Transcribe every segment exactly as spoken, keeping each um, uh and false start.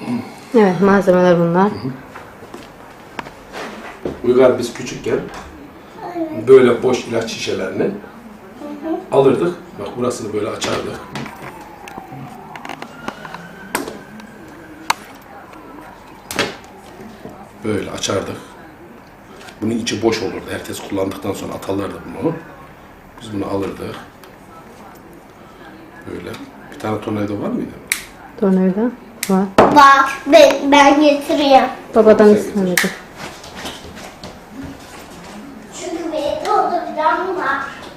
Evet, malzemeler bunlar. Hı hı. Uygar biz küçükken böyle boş ilaç şişelerini alırdık. Bak burasını böyle açardık. Böyle açardık. Bunun içi boş olurdu. Herkes kullandıktan sonra atarlardı bunu. Biz bunu alırdık. Böyle. Bir tane tornavida var mıydı? Tornavida var. Bak ben, ben getireyim. Babadan istemedim. Çünkü benim dolduracağım var.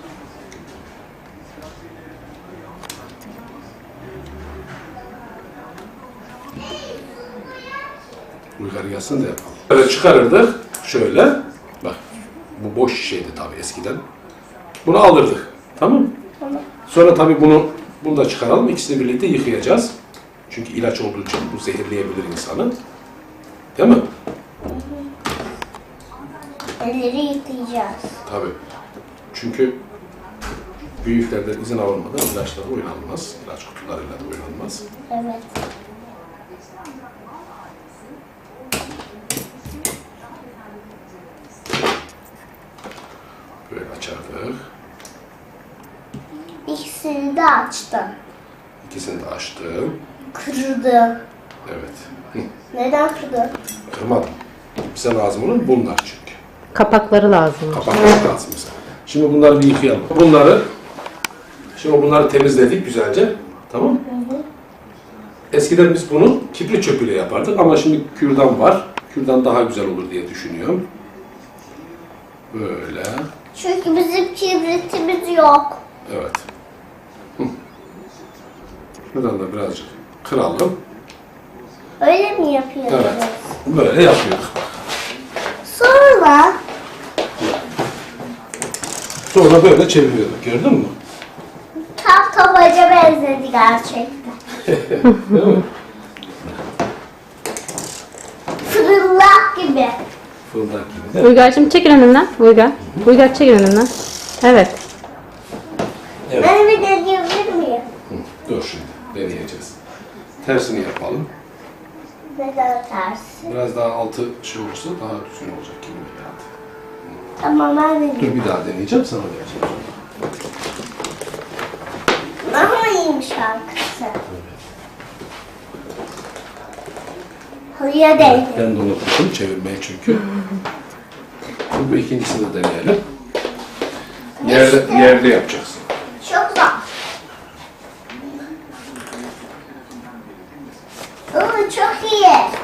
Uygar gelsin de yapalım. Böyle çıkarırdık. Şöyle. Bak. Bu boş şişeydi tabii eskiden. Bunu alırdık. Tamam mı? Tamam. Sonra tabii bunu bunu da çıkaralım. İkisini birlikte yıkayacağız. Çünkü ilaç olduğu için bu zehirleyebilir insanı. Değil mi? Elleri yıkayacağız. Tabii. Çünkü büyüklerden izin alınmadan ilaçlar oynanmaz. İlaç kutularıyla da oynanmaz. Evet. Böyle açardık. İkisini de açtım. İkisini de açtım. Kırdım. Evet. Hı. Neden kırdın? Kırmadım. Bize lazım olan bunlar çünkü. Kapakları lazım. Kapatmak lazım bize. Şimdi bunları bir yıkayalım. Bunları Şimdi bunları temizledik güzelce. Tamam mı? Hı hı. Eskiden biz bunu kibrit çöpüyle yapardık ama şimdi kürdan var. Kürdan daha güzel olur diye düşünüyorum. Böyle. Çünkü bizim kibritimiz yok. Evet. Hı. Şuradan da birazcık kıralım. Öyle mi yapıyoruz? Evet. Böyle yapıyoruz. Sonra Sonra böyle çeviriyorduk. Gördün mü? tam tabaca benzedi gerçekten. Değil mi? Fırınlak gibi. Fırıldak gibi de. Uygar'cığım çekil önümden. Uygar. Uygar çekil önümden. Evet. Evet. Ben bir deneyebilir miyim? Hı. Dur şimdi deneyeceğiz. Tersini yapalım. Neden tersi? Biraz daha altı şey olursa daha düzgün olacak gibi geldi. Tamam ben deneyeyim. Dur bir daha deneyeceğim sana vereceğim. Ama iyiymiş şarkısı. Halıya değdi. Ben de unutmuşum çevirmeyi çünkü. Bu ikincisini de deneyelim. Yerde, yerde yapacaksın. Çok zor. Oo, çok iyi.